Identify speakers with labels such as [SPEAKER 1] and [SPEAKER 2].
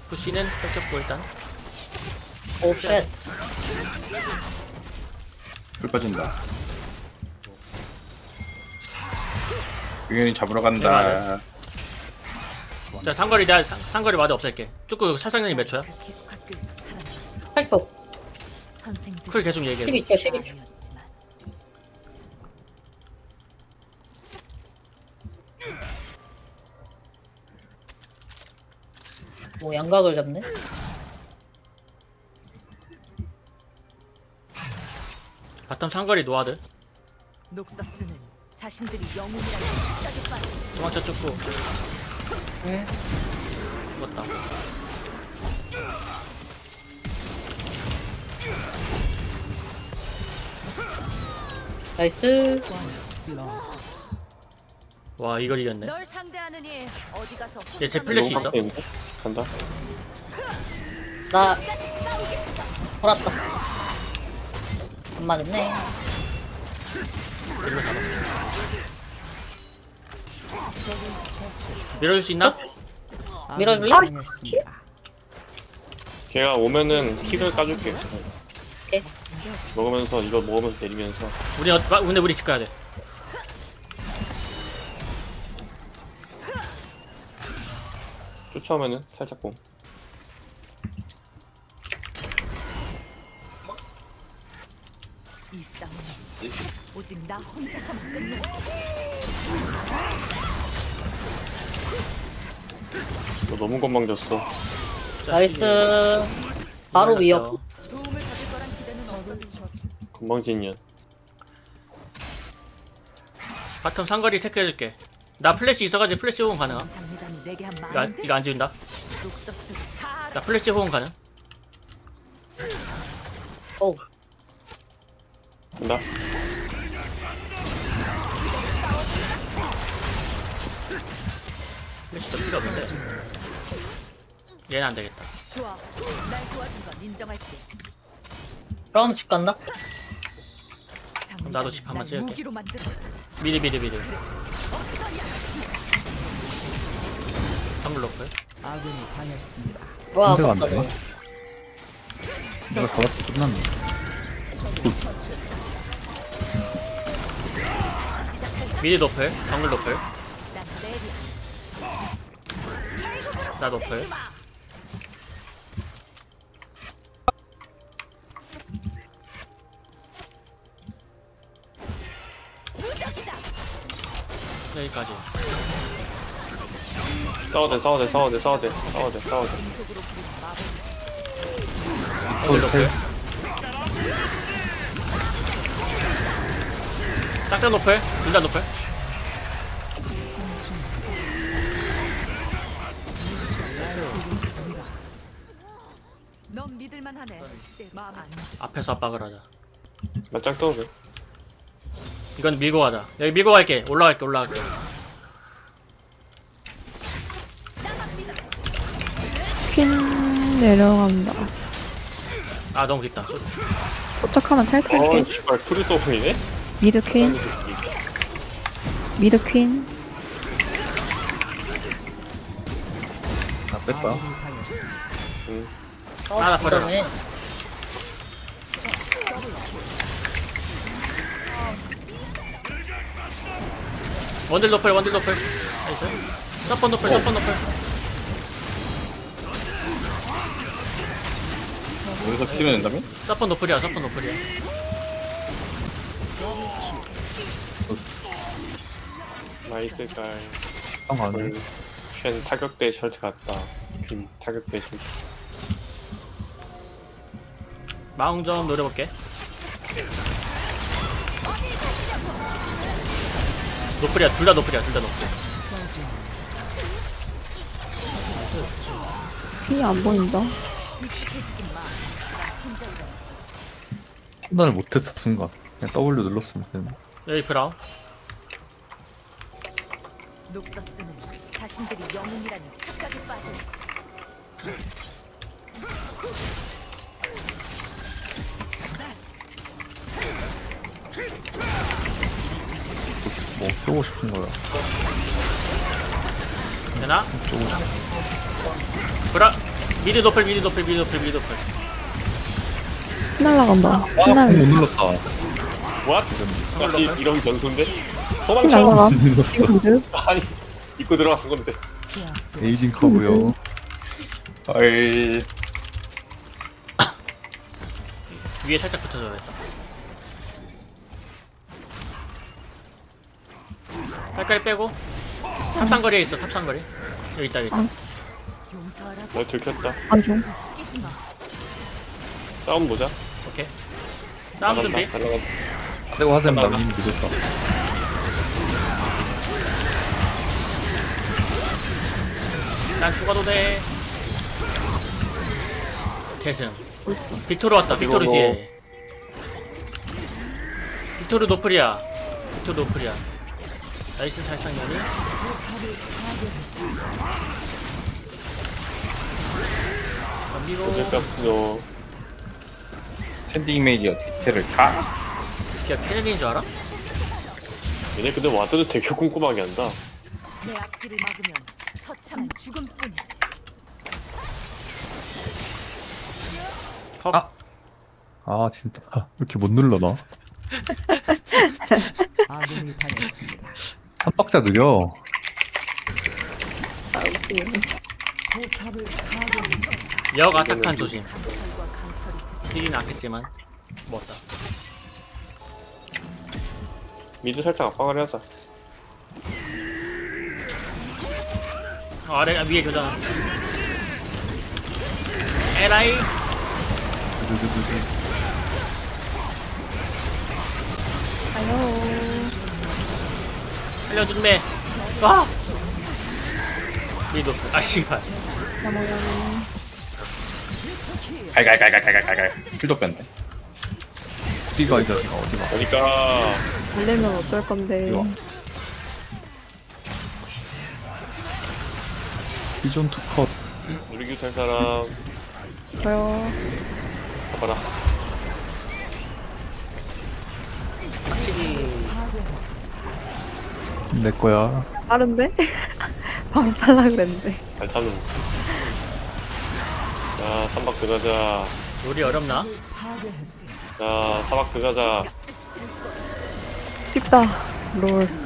[SPEAKER 1] 푸시는 뺏겼고 일단.
[SPEAKER 2] 오쉣.
[SPEAKER 3] 불 빠진다. 유연이 잡으러 간다.
[SPEAKER 1] 자 상거리 내가 상거리 마드 없앨게. 쭉그 살상력이 몇 초야?
[SPEAKER 4] 그 기숙학교에서 살아남았어.
[SPEAKER 2] 8초.
[SPEAKER 4] 선생들
[SPEAKER 1] 쿨 계속 얘기해.
[SPEAKER 2] 12초, 12초. 뭐 양각을 잡네?
[SPEAKER 1] 바텀 상거리 노아드.
[SPEAKER 4] 녹서스는 자신들이 영웅이라는 착각에 빠져
[SPEAKER 1] 도망쳐 쭉고
[SPEAKER 2] 응.
[SPEAKER 1] 죽었다.
[SPEAKER 2] 나이스.
[SPEAKER 1] 와 이걸 이겼네.
[SPEAKER 4] 널 상대하느니 어디 가서
[SPEAKER 1] 얘제 플래시 있어?
[SPEAKER 5] 있는데? 간다.
[SPEAKER 2] 나 돌았다. 안 맞았네.
[SPEAKER 1] 이거 잡아. 밀어줄 수 있나?
[SPEAKER 2] 밀어줄래?
[SPEAKER 5] 걔가 오면은 킥을 까줄게.
[SPEAKER 2] 오케이.
[SPEAKER 5] 먹으면서 이거 먹으면서 내리면서.
[SPEAKER 1] 근데 우리 집 가야 돼.
[SPEAKER 5] 쫓아오면은 살짝 봄.
[SPEAKER 4] 이 싸움은 오직 나 혼자서만 끝내.
[SPEAKER 5] 너 너무 건방졌어.
[SPEAKER 2] 나이스. 바로 위협.
[SPEAKER 4] 도움을 받을 거란 기대는 없었지.
[SPEAKER 5] 건방진년.
[SPEAKER 1] 바텀 상거리 체크해줄게. 나 플래시 있어가지고 플래시 호응 가능함.
[SPEAKER 4] 장미단이 내게 한
[SPEAKER 1] 이거,
[SPEAKER 4] 마음.
[SPEAKER 1] 이거 안 지운다.
[SPEAKER 4] 녹서스 다
[SPEAKER 1] 나 플래시 호응 가능.
[SPEAKER 2] 오.
[SPEAKER 5] 간다.
[SPEAKER 1] 플래시도 필요 없는데. 얘는 안 되겠다.
[SPEAKER 4] 좋아. 날 도와준 건 인정할게.
[SPEAKER 2] 그럼 집 간다.
[SPEAKER 1] 나도 집 한번
[SPEAKER 4] 날
[SPEAKER 1] 찍을게.
[SPEAKER 4] 무기로 만들었지.
[SPEAKER 1] 미리. 선물 놓고.
[SPEAKER 2] 와,
[SPEAKER 3] 상대가 안
[SPEAKER 2] 아깝다.
[SPEAKER 3] 되네. 내가 잡았어 끝났네.
[SPEAKER 1] 미리 노플, 정글 노플.
[SPEAKER 4] 난 내리야.
[SPEAKER 1] 나 노플. 여기까지.
[SPEAKER 5] 싸워대.
[SPEAKER 1] 정글 노플. 짝짝 노플, 둘 다 노플.
[SPEAKER 4] 넌 믿을만 하네. 내 마음 안
[SPEAKER 1] 앞에서 압박을 하자.
[SPEAKER 5] 나짝 떠오르.
[SPEAKER 1] 이건 밀고 가자. 여기 밀고 갈게. 올라갈게.
[SPEAKER 6] 퀸 내려간다.
[SPEAKER 1] 아 너무 깊다.
[SPEAKER 6] 도착하면 탈퇴할게.
[SPEAKER 5] 씨발 프리스 오픈이네?
[SPEAKER 6] 미드 퀸. 미드 퀸.
[SPEAKER 3] 나 뺐다.
[SPEAKER 5] 응.
[SPEAKER 1] 나 버려라.
[SPEAKER 2] 그다음에
[SPEAKER 1] 원딜 노플. 나이스. 서폰 노플.
[SPEAKER 3] 여기서 피면 된다며?
[SPEAKER 1] 서폰 노플이야.
[SPEAKER 5] 나이스 깔.
[SPEAKER 3] 형 가네.
[SPEAKER 5] 쉔 타격대 셔츠 같다. 퀸 타격대 셔츠.
[SPEAKER 1] 마ung 좀 노려볼게. 노플이야. 둘 다 노플.
[SPEAKER 6] 퀸이 안 보인다.
[SPEAKER 3] 판단을 못했어 순간. 그냥 W 눌렀으면 되는데.
[SPEAKER 1] 여기 브라운.
[SPEAKER 4] 녹서스는 자신들이 영웅이라는 착각에 빠져있지.
[SPEAKER 3] 뭐 쏘고 싶은 거야.
[SPEAKER 1] 되나?
[SPEAKER 3] 쏘고 싶어.
[SPEAKER 1] 브라. 미드 노플 미드 노플 미드 노플 미드 노플.
[SPEAKER 6] 날라간다.
[SPEAKER 3] 아, 못
[SPEAKER 6] 날
[SPEAKER 3] 눌렀다.
[SPEAKER 5] what? 이런 변수인데?
[SPEAKER 6] 날라가.
[SPEAKER 5] 도망쳐.
[SPEAKER 6] 지금 미드.
[SPEAKER 5] 아니 입고 들어간 건데.
[SPEAKER 3] 에이징 커브요.
[SPEAKER 5] 아이
[SPEAKER 1] 위에 살짝 붙어줘야겠다. 깔깔이 빼고 탑상거리에 있어 탑상거리. 여기 있다 여기 있다.
[SPEAKER 4] 용서하라고
[SPEAKER 5] 나 들켰다.
[SPEAKER 6] 안중.
[SPEAKER 4] 끼지 마.
[SPEAKER 5] 싸움 보자.
[SPEAKER 1] 오케이. 싸움 준비.
[SPEAKER 5] 잘 나간다.
[SPEAKER 3] 하대고 하자면 남긴 늦었다.
[SPEAKER 1] 난 죽어도 돼. 대승. 빅토르 왔다. 빅토르
[SPEAKER 5] 이거
[SPEAKER 1] 뒤에. 빅토르 노플이야. 빅토르 노플이야. 나이스 살상년이. 덤비고.
[SPEAKER 5] 어제까지도
[SPEAKER 3] 스탠딩 이미지가 디테일을 다.
[SPEAKER 1] 야 캐년인 줄 알아?
[SPEAKER 5] 얘네 근데 와드도 되게 꼼꼼하게 한다.
[SPEAKER 4] 내 앞길을 막으면 처참한 죽음뿐이지.
[SPEAKER 1] 헉.
[SPEAKER 3] 아. 아 진짜 이렇게 못 눌러 나?
[SPEAKER 2] 아군이 당했습니다.
[SPEAKER 3] 한 박자 느려.
[SPEAKER 1] 역 아타칸 조심.
[SPEAKER 4] 절과 강철이 부딪
[SPEAKER 1] 힐이 않겠지만 먹었다.
[SPEAKER 5] 미드 살짝 압박을 하자.
[SPEAKER 1] 아래 위에 교전. 에라이. 살려준대. 와. 위도. 아 씨발.
[SPEAKER 3] 갈갈갈갈갈갈갈. 킬도 뺐네. 어디가 이 자식아 어디가?
[SPEAKER 5] 그러니까
[SPEAKER 6] 달래면 어쩔 건데.
[SPEAKER 3] 이리 와. 비존 투컷.
[SPEAKER 5] 누리규 탈 사람
[SPEAKER 6] 저요.
[SPEAKER 5] 가봐라.
[SPEAKER 3] 내 거야.
[SPEAKER 6] 빠른데? 바로 탈라 그랬는데.
[SPEAKER 5] 잘 타는. 자 삼박 들어가자.
[SPEAKER 1] 우리 어렵나?
[SPEAKER 5] 자 사박 들어가자.
[SPEAKER 6] 쉽다. 롤.